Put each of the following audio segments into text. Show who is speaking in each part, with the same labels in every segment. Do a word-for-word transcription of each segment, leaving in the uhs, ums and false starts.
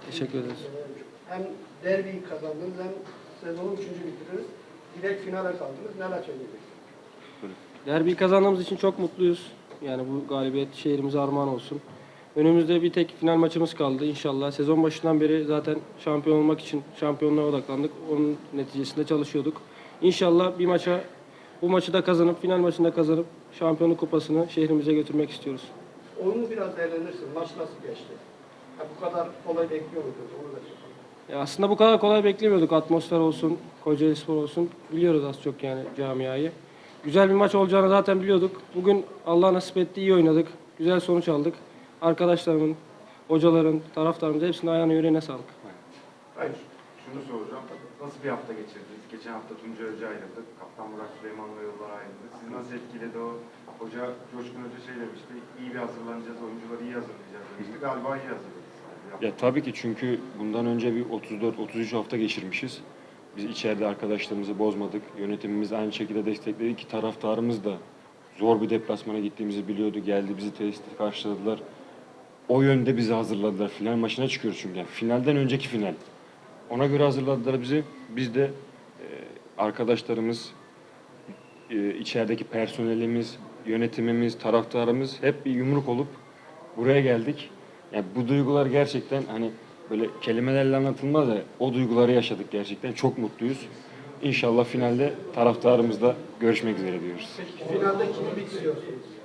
Speaker 1: Teşekkür ederiz.
Speaker 2: Hem derbiyi kazandınız hem sezonu üçüncü bitirdiniz. Direkt finale kaldınız. Neler söyleyeceksiniz?
Speaker 1: Derbiyi kazandığımız için çok mutluyuz. Yani bu galibiyet şehrimize armağan olsun. Önümüzde bir tek final maçımız kaldı inşallah. Sezon başından beri zaten şampiyon olmak için şampiyonluğa odaklandık. Onun neticesinde çalışıyorduk. İnşallah bir maça, bu maçı da kazanıp, final maçında kazanıp şampiyonluk kupasını şehrimize götürmek istiyoruz.
Speaker 2: Oyunu biraz değerlenirsin. Maç nasıl geçti? Ha, bu kadar kolay bekliyor muydunuz? Onu da sorayım.
Speaker 1: Ya aslında bu kadar kolay beklemiyorduk. Atmosfer olsun, Kocaelispor olsun. Biliyoruz az çok yani camiayı. Güzel bir maç olacağını zaten biliyorduk. Bugün Allah nasip etti, iyi oynadık. Güzel sonuç aldık. Arkadaşlarımın, hocaların, taraftarımız hepsinin ayağına yüreğine sağlık.
Speaker 3: Hayır, şunu soracağım. Nasıl bir hafta geçirdiniz? Geçen hafta Tuncay Hoca ayrıldı. Kaptan Murat Süleyman'la yollar ayrıldı. Sizi nasıl etkiledi o? Hoca Coşkun Hoca şey demişti. İyi bir hazırlanacağız, oyuncuları iyi hazırlayacağız demişti. Galiba iyi hazırladınız.
Speaker 4: Ya tabii ki, çünkü bundan önce bir otuz dört otuz üç hafta geçirmişiz. Biz içeride arkadaşlarımızı bozmadık. Yönetimimiz aynı şekilde destekledi ki taraftarımız da zor bir deplasmana gittiğimizi biliyordu. Geldi, bizi tesiste karşıladılar. O yönde bizi hazırladılar. Final maçına çıkıyoruz çünkü. Yani finalden önceki final. Ona göre hazırladılar bizi. Biz de e, arkadaşlarımız, e, içerideki personelimiz, yönetimimiz, taraftarımız hep bir yumruk olup buraya geldik. Yani bu duygular gerçekten hani böyle kelimelerle anlatılmaz da o duyguları yaşadık gerçekten. Çok mutluyuz. İnşallah finalde taraftarımızla görüşmek üzere diyoruz.
Speaker 2: Peki finalde kimi bitiriyorsunuz?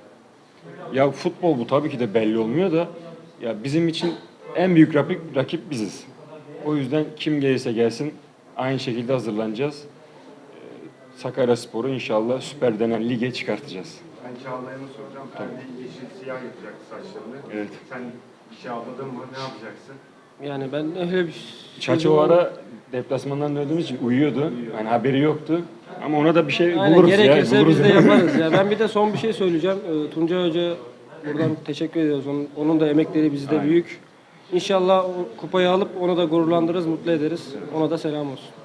Speaker 4: Ya futbol bu tabii ki de belli olmuyor da ya bizim için en büyük rakip, rakip biziz. O yüzden kim gelirse gelsin aynı şekilde hazırlanacağız. Ee, Sakaryaspor'u inşallah Süper denen lige çıkartacağız.
Speaker 3: Ben Çağlayan'ı soracağım. Ferdi yeşil siyah yapacaktı saçlarını.
Speaker 4: Evet.
Speaker 3: Sen bir şey anladın mı? Ne yapacaksın?
Speaker 1: Yani ben öyle bir
Speaker 4: Çaça o ara deplasmandan döndüğümüz için uyuyordu. Yani haberi yoktu. Ama ona da bir şey
Speaker 1: Aynen,
Speaker 4: buluruz ya.
Speaker 1: gerekirse
Speaker 4: Buluruz.
Speaker 1: biz de yaparız. Ya ben bir de son bir şey söyleyeceğim. Ee, Tuncay Hoca buradan teşekkür ediyoruz. Onun, onun da emekleri bizde
Speaker 4: Aynen.
Speaker 1: büyük. İnşallah o kupayı alıp onu da gururlandırırız, mutlu ederiz. Ona da selam olsun.